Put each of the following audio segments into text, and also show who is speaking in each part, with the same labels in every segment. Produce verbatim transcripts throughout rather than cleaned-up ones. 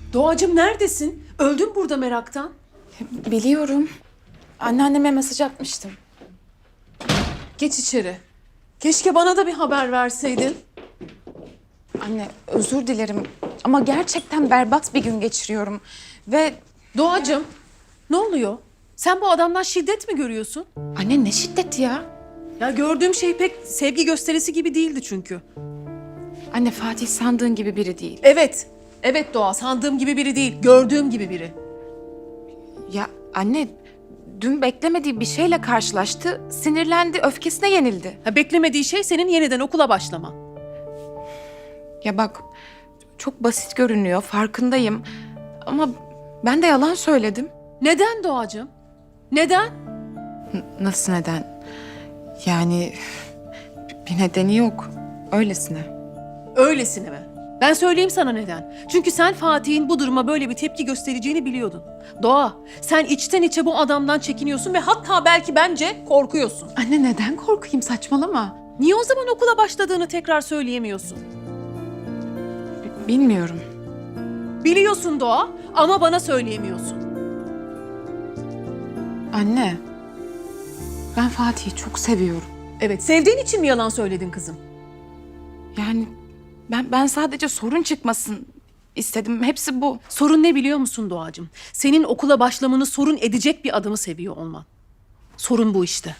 Speaker 1: Doğacığım neredesin? Öldüm burada meraktan.
Speaker 2: Biliyorum. Anneanneme mesaj atmıştım.
Speaker 1: Geç içeri. Keşke bana da bir haber verseydin.
Speaker 2: Anne özür dilerim ama gerçekten berbat bir gün geçiriyorum. Ve
Speaker 1: Doğacığım, ne oluyor? Sen bu adamdan şiddet mi görüyorsun?
Speaker 2: anne ne şiddeti ya?
Speaker 1: Ya gördüğüm şey pek sevgi gösterisi gibi değildi çünkü.
Speaker 2: Anne Fatih sandığın gibi biri değil.
Speaker 1: Evet, evet Doğa, sandığım gibi biri değil, gördüğüm gibi biri.
Speaker 2: Ya anne dün beklemediği bir şeyle karşılaştı. Sinirlendi, öfkesine yenildi.
Speaker 1: Ha, beklemediği şey senin yeniden okula başlaman.
Speaker 2: Ya bak çok basit görünüyor, farkındayım. Ama ben de yalan söyledim.
Speaker 1: Neden Doğacığım? Neden?
Speaker 2: N- nasıl neden? Yani bir nedeni yok. Öylesine.
Speaker 1: Öylesine mi? Ben söyleyeyim sana neden. Çünkü sen Fatih'in bu duruma böyle bir tepki göstereceğini biliyordun. Doğa, sen içten içe bu adamdan çekiniyorsun ve hatta belki bence korkuyorsun.
Speaker 2: Anne neden korkayım, saçmalama.
Speaker 1: Niye o zaman okula başladığını tekrar söyleyemiyorsun?
Speaker 2: B- bilmiyorum.
Speaker 1: Biliyorsun Doğa ama bana söyleyemiyorsun.
Speaker 2: Anne, ben Fatih'i çok seviyorum.
Speaker 1: Evet, sevdiğin için mi yalan söyledin kızım?
Speaker 2: Yani ben ben sadece sorun çıkmasın istedim. Hepsi bu.
Speaker 1: Sorun ne biliyor musun Doğacığım? Senin okula başlamanı sorun edecek bir adamı seviyor olman. Sorun bu işte.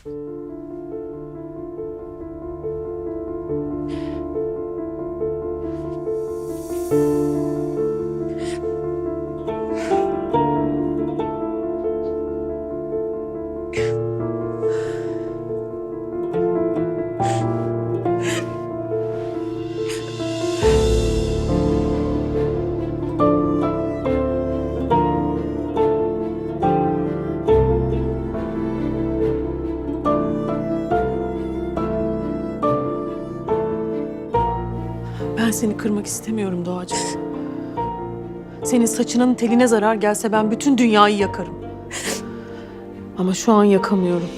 Speaker 1: Ben seni kırmak istemiyorum Doğacığım. Senin saçının teline zarar gelse ben bütün dünyayı yakarım. Ama şu an yakamıyorum.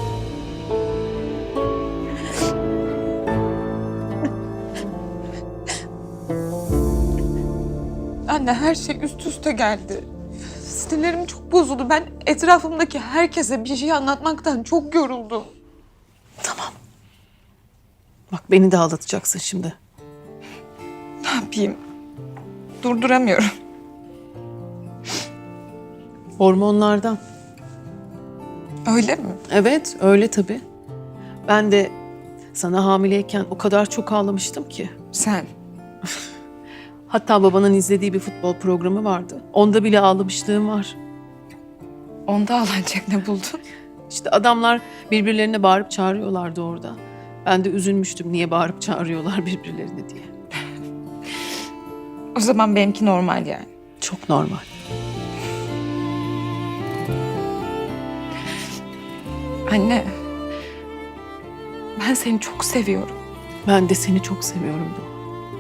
Speaker 2: Anne her şey üst üste geldi. Sinirlerim çok bozuldu. Ben etrafımdaki herkese bir şey anlatmaktan çok yoruldum.
Speaker 1: Tamam. Bak beni de ağlatacaksın şimdi.
Speaker 2: Ne yapayım? Durduramıyorum.
Speaker 1: Hormonlardan.
Speaker 2: Öyle mi?
Speaker 1: Evet, öyle tabii. Ben de sana hamileyken o kadar çok ağlamıştım ki.
Speaker 2: Sen.
Speaker 1: Hatta babanın izlediği bir futbol programı vardı. Onda bile ağlamışlığım var.
Speaker 2: Onda ağlanacak ne buldun?
Speaker 1: İşte adamlar birbirlerine bağırıp çağırıyorlardı orada. Ben de üzülmüştüm niye bağırıp çağırıyorlar birbirlerini diye.
Speaker 2: O zaman benimki normal yani.
Speaker 1: Çok normal.
Speaker 2: Anne. Ben seni çok seviyorum.
Speaker 1: Ben de seni çok seviyorum Doğa.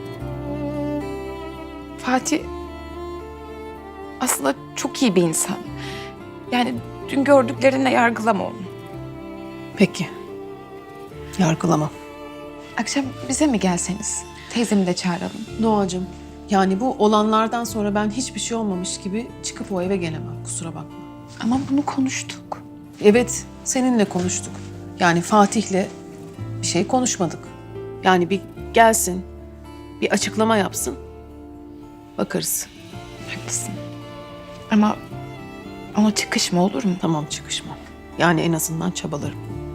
Speaker 2: Fatih aslında çok iyi bir insan. Yani dün gördüklerinle yargılama onu.
Speaker 1: Peki. Yargılamam.
Speaker 2: Akşam bize mi gelseniz? Teyzemi de çağıralım.
Speaker 1: Doğacığım, yani bu olanlardan sonra ben hiçbir şey olmamış gibi çıkıp o eve gelemem. Kusura bakma.
Speaker 2: Ama bunu konuştuk.
Speaker 1: Evet, seninle konuştuk. Yani Fatih'le bir şey konuşmadık. Yani bir gelsin, bir açıklama yapsın. Bakarız.
Speaker 2: Haklısın. Ama ona çıkışma olur mu?
Speaker 1: Tamam, çıkışmam. Yani en azından çabalarım.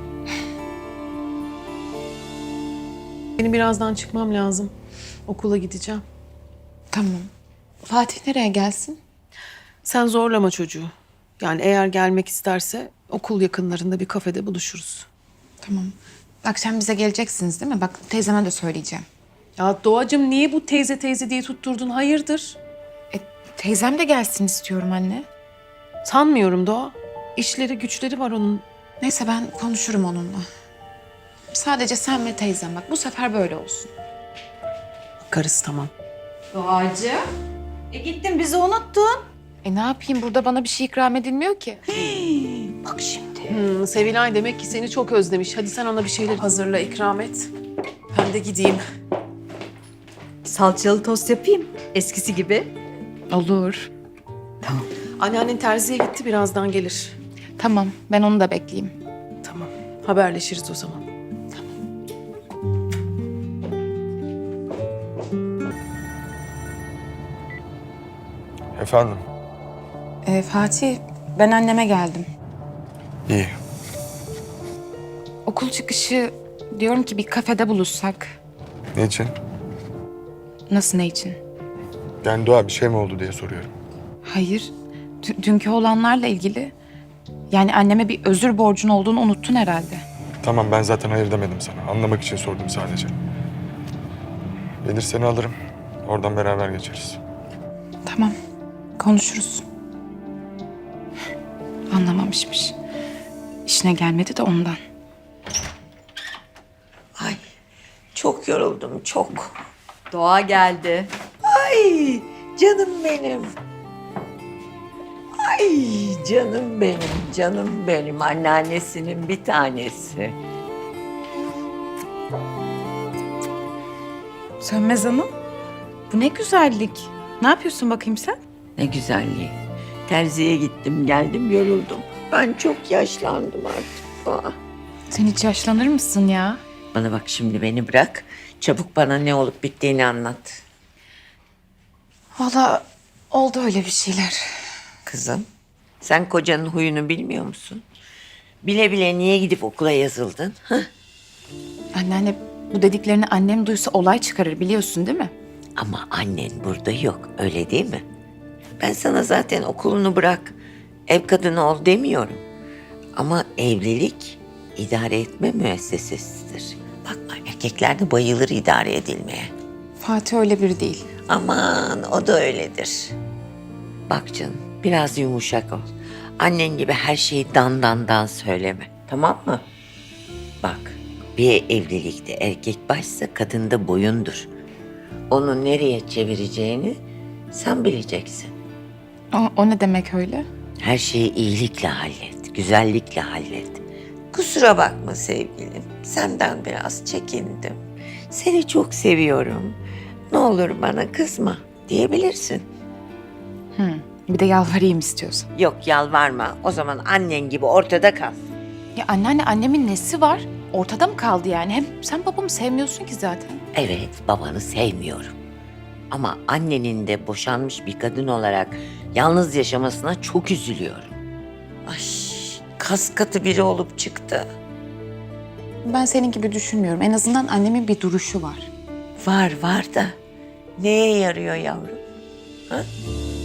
Speaker 1: Benim birazdan çıkmam lazım. Okula gideceğim.
Speaker 2: Tamam. Fatih nereye gelsin?
Speaker 1: Sen zorlama çocuğu. Yani eğer gelmek isterse okul yakınlarında bir kafede buluşuruz.
Speaker 2: Tamam. Akşam bize geleceksiniz değil mi? Bak teyzeme de söyleyeceğim.
Speaker 1: Ya Doğacığım niye bu teyze teyze diye tutturdun? Hayırdır?
Speaker 2: E, teyzem de gelsin istiyorum anne.
Speaker 1: Sanmıyorum Doğa. İşleri güçleri var onun.
Speaker 2: Neyse ben konuşurum onunla. Sadece sen ve teyzem bak bu sefer böyle olsun.
Speaker 1: Bakarız tamam.
Speaker 3: Doğacı. E gittin bizi unuttun.
Speaker 2: E ne yapayım burada bana bir şey ikram edilmiyor ki.
Speaker 3: Bak şimdi.
Speaker 1: Hmm, Sevilay demek ki seni çok özlemiş. Hadi sen ona bir şeyler hazırla, ikram et. Ben de gideyim.
Speaker 3: Salçalı tost yapayım. Eskisi gibi.
Speaker 4: Olur.
Speaker 1: Anneannen terziye gitti, birazdan gelir.
Speaker 4: Tamam, ben onu da bekleyeyim.
Speaker 1: Tamam, haberleşiriz o zaman.
Speaker 5: Efendim?
Speaker 6: Ee, Fatih, ben anneme geldim.
Speaker 5: İyi.
Speaker 4: Okul çıkışı diyorum ki bir kafede buluşsak.
Speaker 5: Ne için?
Speaker 4: Nasıl, ne için?
Speaker 5: Yani Doğa bir şey mi oldu diye soruyorum.
Speaker 4: Hayır, dü- dünkü olanlarla ilgili. Yani anneme bir özür borcun olduğunu unuttun herhalde.
Speaker 5: Tamam ben zaten hayır demedim sana. Anlamak için sordum sadece. Gelir seni alırım. Oradan beraber geçeriz.
Speaker 4: Tamam, konuşuruz. Anlamamışmış. İşine gelmedi de ondan.
Speaker 7: Ay çok yoruldum çok.
Speaker 3: Doğa geldi.
Speaker 7: Ay canım benim. Ay canım benim, canım benim. Anneannesinin bir tanesi.
Speaker 4: Sönmez Hanım, bu ne güzellik. Ne yapıyorsun bakayım sen?
Speaker 7: Ne güzelliği. Terziye gittim geldim yoruldum. Ben çok yaşlandım artık. Aa.
Speaker 4: Sen hiç yaşlanır mısın ya?
Speaker 7: Bana bak şimdi beni bırak. Çabuk bana ne olup bittiğini anlat.
Speaker 4: Vallahi oldu öyle bir şeyler.
Speaker 7: Kızım sen kocanın huyunu bilmiyor musun? Bile bile niye gidip okula yazıldın? Hah?
Speaker 4: Anneanne, bu dediklerini annem duysa olay çıkarır biliyorsun değil mi?
Speaker 7: Ama annen burada yok, öyle değil mi? Ben sana zaten okulunu bırak, ev kadını ol demiyorum. Ama evlilik idare etme müessesesidir. Bakma erkekler de bayılır idare edilmeye.
Speaker 4: Fatih öyle biri değil.
Speaker 7: Aman o da öyledir. Bak canım biraz yumuşak ol. Annen gibi her şeyi dan dan dan söyleme, tamam mı? Bak bir evlilikte erkek başsa kadın da boyundur. Onu nereye çevireceğini sen bileceksin.
Speaker 4: O, o ne demek öyle?
Speaker 7: Her şeyi iyilikle hallet, güzellikle hallet. Kusura bakma sevgilim, senden biraz çekindim. Seni çok seviyorum. Ne olur bana kızma diyebilirsin.
Speaker 4: Hı, bir de yalvarayım istiyorsan.
Speaker 7: Yok yalvarma, o zaman annen gibi ortada kal.
Speaker 4: Ya anneanne, annemin nesi var? Ortada mı kaldı yani? Hem sen babamı sevmiyorsun ki zaten.
Speaker 7: Evet, babanı sevmiyorum. Ama annenin de boşanmış bir kadın olarak yalnız yaşamasına çok üzülüyorum. Ay, kas katı biri olup çıktı.
Speaker 4: Ben senin gibi düşünmüyorum. En azından annemin bir duruşu var.
Speaker 7: Var var da neye yarıyor yavrum? Ha?